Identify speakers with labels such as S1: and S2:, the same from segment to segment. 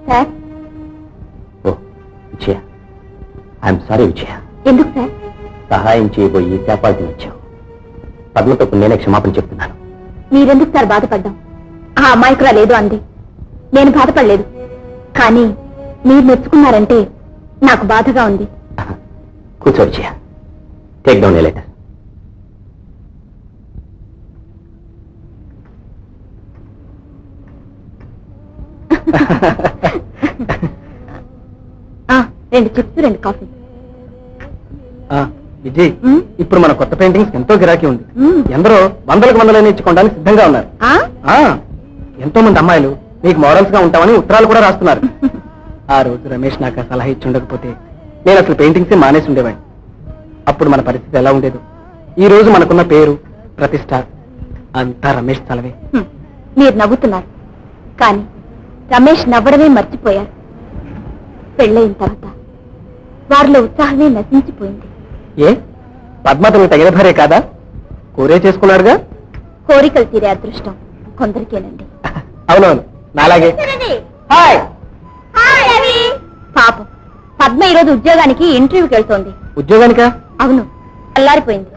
S1: Sir.
S2: ఓ Vijaya, I'm sorry Vijaya.
S1: ఎందుకు sir?
S2: సహాయం చేయబోయి చేపాల్సి వచ్చావు. పద్మతో నేనే క్షమాపణ చెప్తున్నాను.
S1: మీరెందుకు సార్ బాధపడ్డాం? ఆ అమాయకురా లేదు అంది, నేను బాధపడలేదు. కానీ మీరు మెచ్చుకున్నారంటే నాకు బాధగా ఉంది.
S2: కూర్చో Vijaya, take down a letter.
S1: రెండు చిప్స్, రెండు కాఫీ.
S2: విజయ్, ఇప్పుడు మన కొత్త పెయింటింగ్స్ ఎంతో గిరాకీ ఉంది. ఎందరో వందలకు వందలు ఇచ్చుకోవడానికి సిద్ధంగా ఉన్నారు. ఎంతో మంది అమ్మాయిలు మీకు మోడల్స్ గా ఉంటామని ఉత్తరాలు కూడా రాస్తున్నారు. ఆ రోజు రమేష్ నాకు సలహా ఇచ్చి ఉండకపోతే నేను అసలు పెయింటింగ్స్ మానేసి ఉండేవాడిని. అప్పుడు మన పరిస్థితి ఎలా ఉండేదో. ఈ రోజు మనకున్న పేరు, ప్రతిష్ట అంతా రమేష్ చలవే.
S1: మీరు నవ్వుతున్నారు, కానీ రమేష్ నవ్వడమే మర్చిపోయారు. పెళ్ళయిన తర్వాత వారిలో ఉత్సాహమే నశించిపోయింది.
S2: ఏ పద్మతను తగిన భార్య కాదా? కోరే చేసుకున్నారుగా.
S1: కోరికలు తీరే అదృష్టం కొందరికేనండి.
S2: అవునవును, నాలాగే. హాయ్.
S1: పాపం పద్మ ఈరోజు ఉద్యోగానికి ఇంటర్వ్యూకి వెళ్తోంది.
S2: ఉద్యోగానికా?
S1: అవును, అల్లారిపోయింది.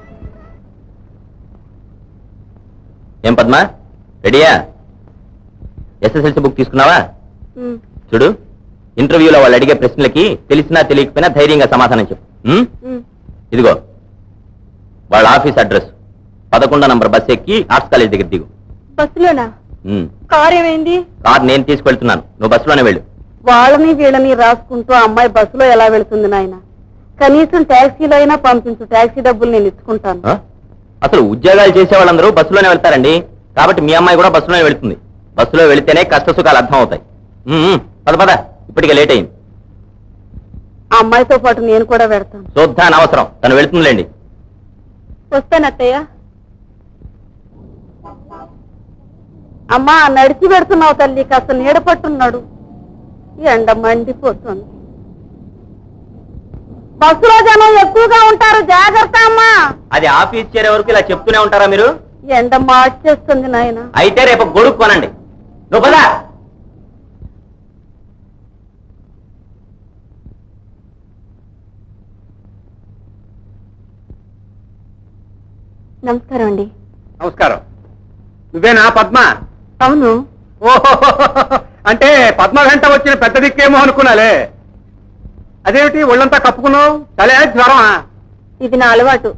S2: ఏం పద్మ, రెడీయా? ఎస్ఎస్ఎల్సీ బుక్ తీసుకున్నావా? చూడు, ఇంటర్వ్యూలో వాళ్ళు అడిగే ప్రశ్నలకి తెలిసినా తెలియకపోయినా ధైర్యంగా సమాధానం చెప్పు. ఇదిగో వాళ్ళ ఆఫీస్ అడ్రస్, 11వ నంబర్ బస్ ఎక్కి ఆర్ట్స్ కాలేజ్ దగ్గర దిగు.
S1: బస్సులోనా? కార్ ఏమైంది?
S2: కార్ నేను తీసుకెళ్తున్నాను, నువ్వు బస్సులోనే వెళ్ళు.
S1: వాళ్ళని వీళ్ళని రాసుకుంటూ అమ్మాయి బస్సులో ఎలా వెళుతుంది నాయన? కనీసం ట్యాక్సీలో అయినా పంపించు, ట్యాక్సీ డబ్బులు నేను ఇచ్చుకుంటాను.
S2: అసలు ఉద్యోగాలు చేసే వాళ్ళందరూ బస్సులోనే వెళ్తారండి. కాబట్టి మీ అమ్మాయి కూడా బస్సులోనే వెళుతుంది. బస్సులో వెళితేనే కష్ట సుఖాలు అర్థం అవుతాయి. పద పద, ఇప్పటికే లేట్ అయింది.
S1: ఆ అమ్మాయితో పాటు నేను కూడా వెళ్తాను.
S2: చూద్దా అనవసరం, తను వెళుతుందిలేండి.
S1: వస్తానత్తయ్య. అమ్మా, నడిచి పెడుతున్నావు తల్లి, కాస్త నీడ పట్టున్నాడు. ఎండ మండిపోతుంది. బస్సులో జనం ఎక్కువగా ఉంటారు, జాగ్రత్త అమ్మా.
S2: అది ఆఫీస్ చేరే వరకు ఇలా చెప్తూనే ఉంటారా మీరు?
S1: ఎండ మార్చేస్తుంది నాయన.
S2: అయితే రేపు గొడుగు కొనండి. నువ్వు పదా.
S1: నమస్కారం అండి.
S3: నమస్కారం. నువ్వేనా పద్మ?
S1: అవును.
S3: ఓహో, అంటే పద్మ వెంట వచ్చిన పెద్ద దిక్కేమో అనుకున్నాలే. అదేమిటి ఒళ్ళంతా కప్పుకున్నావు? తలే జ్వరమా?
S1: ఇది నా అలవాటు.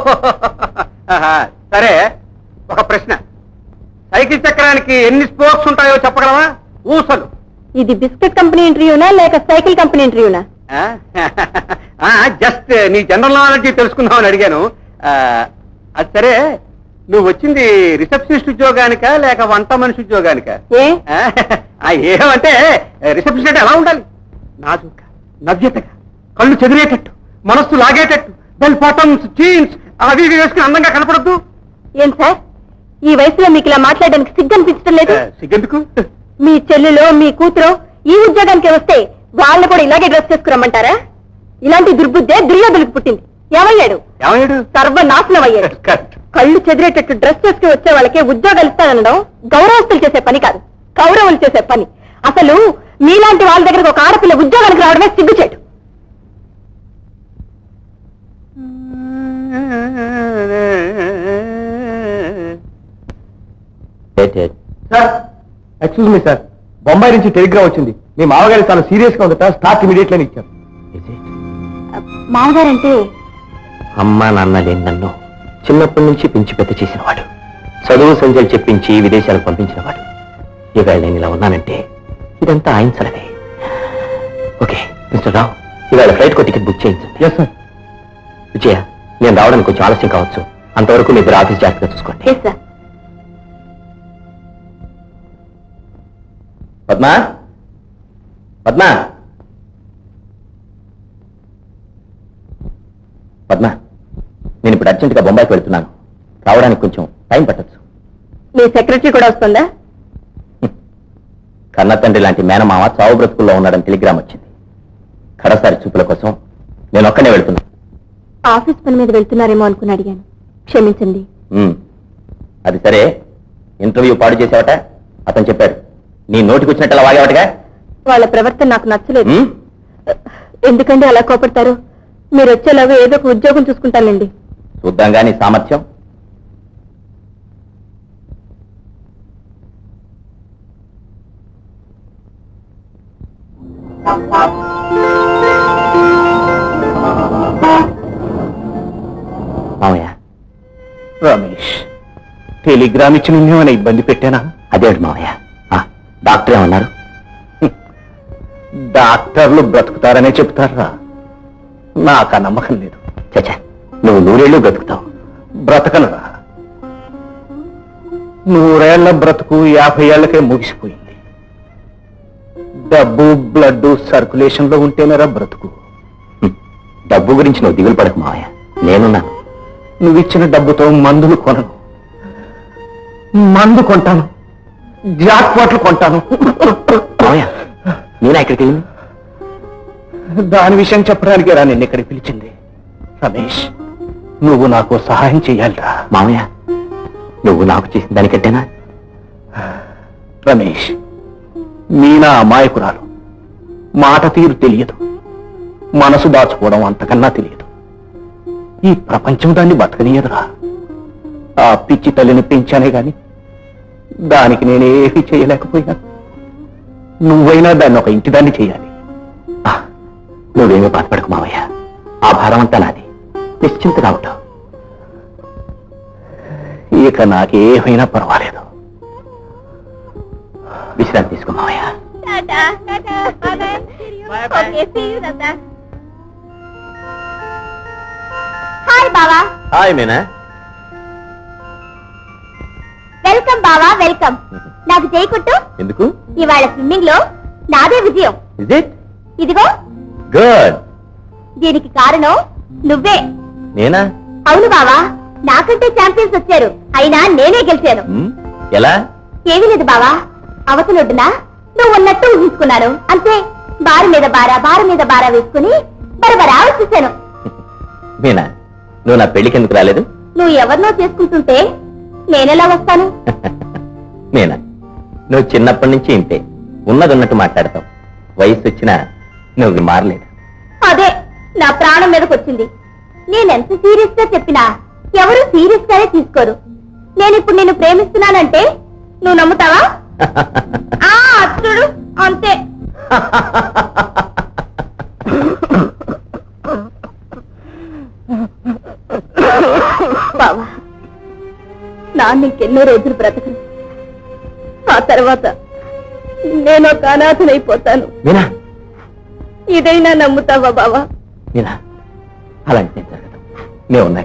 S3: సరే, ఒక ప్రశ్న. సైకిల్ చక్రానికి ఎన్ని స్పోక్స్ ఉంటాయో చెప్పగలవా? ఊసలు.
S1: ఇది బిస్కెట్ కంపెనీ ఇంటర్వ్యూనా లేక సైకిల్ కంపెనీ ఇంటర్వ్యూనా?
S3: జస్ట్ నీ జనరల్ నాలెడ్జ్ తెలుసుకుందామని అడిగాను. అది సరే, నువ్వు వచ్చింది రిసెప్షనిస్ట్ ఉద్యోగానికా లేక వంట మనిషి ఉద్యోగానికా? ఏమంటే రిసెప్షనిస్ట్ అంటే ఎలా ఉండాలి? నాజుగా, నవ్యతగా, కళ్ళు చెదిరేటట్టు, మనస్సు లాగేటట్టు, బెల్ బాటమ్స్, జీన్స్ అవి ఇవి వేసుకుని అందంగా కనపడద్దు.
S1: ఏం సార్, ఈ వయసులో మీకు ఇలా మాట్లాడడానికి సిగ్గు అనిపించడం లేదు?
S3: సిగ్గెందుకు?
S1: మీ చెల్లెలో మీ కూతురు ఈ ఉద్యోగానికి వస్తే వాళ్ళు కూడా ఇలాగే డ్రెస్ చేసుకురమ్మంటారా? ఇలాంటి దుర్బుద్ధే దుర్యోధులకు పుట్టింది. ఏమయ్యాడు? సర్వనాశనం అయ్యాడు. కళ్ళు చెదిరేటట్టు డ్రెస్ చేసుకుని వచ్చే వాళ్ళకే ఉద్యోగాలు ఇస్తానడం గౌరవస్తులు చేసే పని కాదు, కౌరవులు చేసే పని. అసలు మీలాంటి వాళ్ళ దగ్గరకు ఒక ఆడపిల్ల ఉద్యోగానికి రావడమే సిగ్గుచేటు.
S3: ఎక్స్క్యూజ్ మీ సార్, బొంబాయి నుంచి టెలిగ్రామ్ వచ్చింది. మీ మామగారి చాలా సీరియస్ గా ఉందట, స్టార్ట్ ఇమీడియట్లీ అని ఇచ్చారు.
S1: మామగారంటే
S2: అమ్మా నాన్న లేని నన్ను చిన్నప్పటి నుంచి పెంచి పెద్ద చేసినవాడు, చదువు సంజలు చెప్పించి విదేశాలకు పంపించినవాడు. ఇవాళ నేను ఇలా ఉన్నానంటే ఇదంతా ఆయన సలహే. ఓకే మిస్టర్ రావు, ఇవాళ ఫ్లైట్ కో టికెట్ బుక్ చేయించండి.
S3: Yes sir.
S2: విజయ, నేను రావడానికి కొంచెం ఆలస్యం కావచ్చు, అంతవరకు మీ ఇద్దరు ఆఫీస్ జాగ్రత్తగా చూసుకోండి. పద్మ, పద్మ, పద్మ, నేను ఇప్పుడు అర్జెంటుగా బొంబాయికి వెళ్తున్నాను. రావడానికి కొంచెం టైం పట్టచ్చు.
S1: మీ సెక్రటరీ కూడా వస్తుందా?
S2: కన్న తండ్రి లాంటి మేనమామ చావు బ్రతుకుల్లో ఉన్నాడని టెలిగ్రామ్ వచ్చింది. కడసారి చూపుల కోసం నేను ఒక్కనే వెళ్తున్నాను.
S1: ఆఫీస్ పని మీద వెళ్తున్నారేమో అనుకుని అడిగాను, క్షమించండి.
S2: అది సరే, ఇంటర్వ్యూ పాడు చేసావట, అతను చెప్పాడు. నీ నోటికి వచ్చినట్టు వాగేవాటగా.
S1: వాళ్ళ ప్రవర్తన నాకు నచ్చలేదు.
S2: ఉమ్?
S1: ఎందుకండి అలా కోపడతారు? మీరు వచ్చేలాగా ఏదో ఒక ఉద్యోగం చూసుకుంటానండి.
S2: చూద్దాం గాని సామర్థ్యం. మామయ్య, రమేష్ టెలిగ్రామ్ ఇచ్చి నిన్నేమైనా ఇబ్బంది పెట్టానా? అదేంటి మామయ్య, డాక్టర్ ఏమన్నారు? డాక్టర్లు బ్రతుకుతారనే చెప్తారా? నాకు ఆ నమ్మకం లేదు. చచ్చా, నువ్వు 100 ఏళ్ళు బ్రతుకుతావు. బ్రతకనురా. 100 ఏళ్ల బ్రతుకు 50 ఏళ్లకే ముగిసిపోయింది. డబ్బు, బ్లడ్ సర్క్యులేషన్ లో ఉంటేనేరా బ్రతుకు. డబ్బు గురించి నువ్వు దిగులు పడకు మావయ్య, నేనున్నాను. నువ్విచ్చిన డబ్బుతో మందులు కొనను. మందు కొంటాను, జాక్పాట్లు కొంటాను. మావయ్య, నేనా ఇక్కడికి వెళ్ళింది? దాని విషయం చెప్పడానికి రా నిన్ను ఇక్కడికి పిలిచింది. రమేష్, నువ్వు నాకు సహాయం చెయ్యాలిరా. మామయ్య, నువ్వు నాకు చేసిన దానికంటేనా? రమేష్, మీనా అమాయకురాలు. మాట తీరు తెలియదు, మనసు దాచుకోవడం అంతకన్నా తెలియదు. ఈ ప్రపంచం దాన్ని బతకనీయదురా. ఆ పిచ్చి తల్లిని పెంచానే గాని దానికి నేనేమీ చేయలేకపోయినా నువ్వైనా దాన్ని ఒక ఇంటిదాన్ని చేయాలి. నువ్వేమీ బాధపడకు మావయ్య, ఆ భారం అంతా నాది. నిశ్చింతగా ఉంటావు. ఇక నాకేమైనా పర్వాలేదు. విశ్రాంతి తీసుకో మావయ్య.
S1: హాయ్ బావా.
S2: హాయ్ మీనా.
S1: వెల్కమ్ బావా, వెల్కమ్. నాకు చేయకుట్టు.
S2: ఎందుకు?
S1: ఇవాళ స్విమ్మింగ్ లో నాదే విజయం.
S2: Is it?
S1: ఇదిగో.
S2: గుడ్.
S1: దీనికి కారణం నువ్వే.
S2: నేనా?
S1: అవును బావా, నాకంటే ఛాంపియన్స్ వచ్చారు, అయినా నేనే గెలిచాను.
S2: ఎలా?
S1: ఏమీ లేదు బావా, అవతలొడ్డునా నువ్వు ఉన్నట్టు ఊహించుకున్నాను అంతే. బారు మీద బారా, బారు మీద బారా వేసుకుని బరబరా వచ్చేసాను.
S2: మీనా, నువ్వు నా పెళ్లికి ఎందుకు రాలేదు?
S1: నువ్వు ఎవరినో చేసుకుంటుంటే నేనెలా వస్తాను?
S2: మీనా, నువ్వు చిన్నప్పటి నుంచి ఇంతే, ఉన్నది ఉన్నట్టు మాట్లాడతావు. వయసు వచ్చినా నువ్వు మారలేదు.
S1: అదే నా ప్రాణం మీదకి వచ్చింది. నేనెంత సీరియస్ గా చెప్పినా ఎవరు సీరియస్ గానే తీసుకోరు. నేనిప్పుడు నిన్ను ప్రేమిస్తున్నానంటే నువ్వు నమ్ముతావా? చూడు అంతే. బావా, నాన్న ఇంకెన్నో రోజులు బ్రతకను. ఆ తర్వాత నేను ఒక అనాథనైపోతాను.
S2: మీనా,
S1: ఇదైనా నమ్ముతావా బావా?
S2: మీనా, అలాంటి నేను జరగదు. నేను